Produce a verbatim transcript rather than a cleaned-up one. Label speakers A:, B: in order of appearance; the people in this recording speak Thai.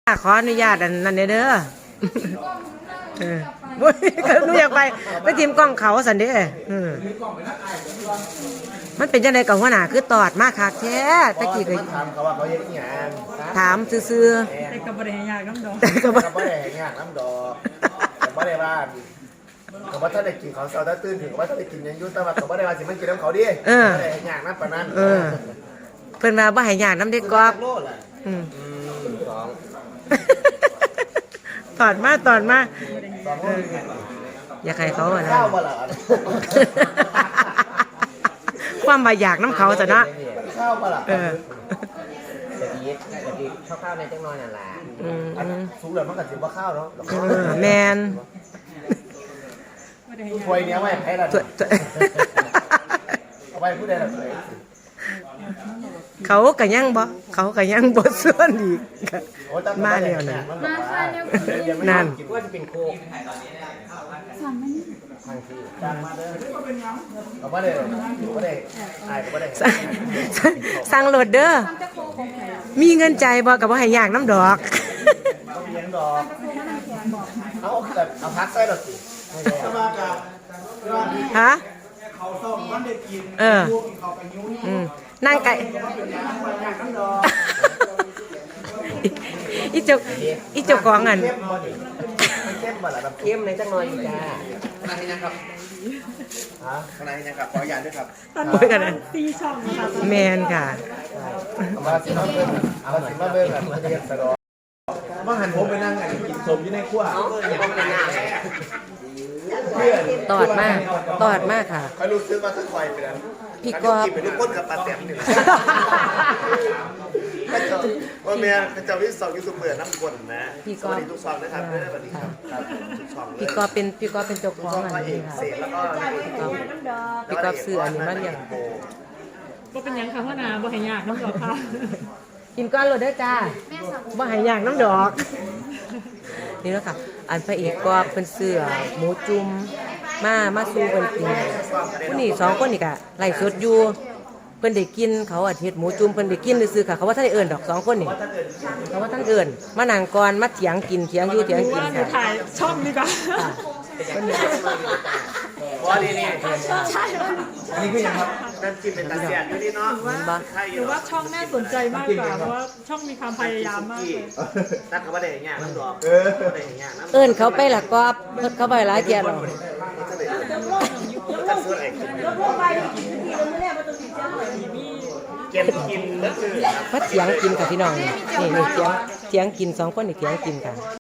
A: ขออนุญาตอันนั้นเด้อเออบ่ก็หนูอยากไปไปทีมกล้องเขาสันเด้อเออมันเป็นจังได๋กับหัวหน้าคือตอดมาคักแท้ตะกี้ก็
B: ถามเขาว่าเขาเฮ็ดอีหยัง
A: ถามซื่อๆ
C: แต่ก็บ่ได้ให้ยากน้ำดอก
A: แต่ก็บ่
B: ก็บ่ได้ให้งานน้ำดอกแต่บ่ได้ว่าก็บ่ทันได้กินของเช้าถ้าตื่นถึงก็บ่ทันได้กินหยังอยู่แต่ว่าก็บ่ได้ว่าสิมันกินน้ำเขาดิบ่ได้ให้งานน้ำปานนั้น
A: เออเพิ่นว่าบ่ให้ยากนำเด็กกอบ
B: โลล่ะ
A: อืม
B: อืมสอง
A: ตอดมาตอดมา
B: สองโล
A: อยากให้เขาอะนะ
B: ข้าวบ่ล่ะ
A: ความว่าอยากน้ำเขาซะเนาะ
B: ข้าวบ่ล่ะ
A: เออ
B: ตะกี้ตะกี้ข้าวๆในจังน้อยนั่นล่ะ
A: อืม
B: อันสูงแล้วมันก็สิบ่ข้าวเนาะ
A: เออแม่น
C: บ่ได้ให้ยาก
B: ถ้วยเนี้ยไว้ให้ล่ะ
A: ตัวตัว
B: เอาไว้ผู้ใดล่ะ
A: เขาก็ยังบ่เขาก็ยังบ่ส่วนอีกก็มาแล้วนะ
B: มาค่ะเนี่ย
A: นั่น
B: คิดว่าจะเป็นโคกทางที่จ้างมาเด้อเอาบ่ได้บ่ได้อายก็บ่ได้
A: สั่งสั่งสั่งโหลดเด้อมีเงินใจบ่ก็บ่ให้ยากน้ำดอก
B: ต้องเลี้ยงดอกเอาแบบเอาพักใส่ดอกสิสมากับ
A: ฮะ
B: เขาส่งมันได้กิน
A: เออ
B: เขาไปยุ่ง
A: อืมนั่งไก่ อีเจ้าอีเจ้าของอัน
B: เข้มบ่ดิเข้มบ่ล่ะเข้มในจังหน่อยจ้าขนาดนี้นะครับฮะขนาดนี้นะครับขออนุญาตด้วยครับ
C: ตอน
A: โอ้ยกันนะ
C: ตีช่องนะคะ
A: แมนค่ะ
B: เอามาสิมาเบิ่งเอามาสิมาเบิ่งกันมันจะเรียนสะดอกมาหันผมไปนั่งกันกินสมอยู่ในครัวอย่าเป็นหน้า
A: ตอดมากตอดมากค่ะ
B: คอยรู้สึกว่าถ้าคอยไปนั้น
A: พี่กอบ
B: กินไปทุกคนกับปลาแต้มนี่แหละก็จะว่าแม่ก็จะวิสองยูทูบเบอร์น้ำกลนะ
A: พี่
B: ส
A: กอบ
B: วัสดีทุกช่องนะครับเด้อสวัสดีครับครับทุกช่องเลย
A: พี่กอเป็นพี่กอเป็นเจ้าของ
B: ช่อง
A: อัน
B: ก็เอ
A: นี้
B: ก
A: ค่ะ
B: เสกแล้วก็นายเอก
A: พี่กอบซื้ออันนี้มาเลี้ยง
C: บ่เป็นหยังค่ะพ่อนาบ่ให้ยากน้ำดอกค่ะ
A: กินก้อนโหลดเด้อจ้าบ่ให้ยากน้ำดอก นี่แล้วค่ะ อันพระเอกก็เป็นเสื้อหมูจุ่มมามาสู่เพิ่นกินผู้นี่สองคนนี่ก็ไล่สดอยู่เพิ่นได้กินเขาอาทิตย์หมูจุ่มเพิ่นได้กินซื่อๆค่ะเขาว่าท่านได้เอิ้นดอกสองคนนี่เขาว่าท่านเอิ้นมานั่งก่อนมาเถียงกินเถียงอยู่เถียงกิน
C: ว่าหนู
A: ค่ะ
C: ถ่ายช่องดีกว่า
A: ค่ะเพิ่นนี่
B: ว่าดีนี่
C: ใช่ว่า
B: อันนี้คือยังครับนั่นกินเป็นตาเสียอยู่นี่เนาะ
A: เห็นบ่
C: หรือว่าช่องน่าสนใจมากกว่าเพราะว่าช่องมีความพยายามมากเลย
B: ตั้งเขาว่าได้อย่างเงี้ยน้ำดอกได้อย่างเงี้ยน้ำ
A: เอิ้นเขาไปละกอบเพิ่นเขาไปหลายเที่ยแล้ว
B: เก็บกินก็คือ
A: มาเถียงกินค่ะพี่น้องนี่นี่เถียงเถียงกินสองคนนี่เถียงกินค่ะ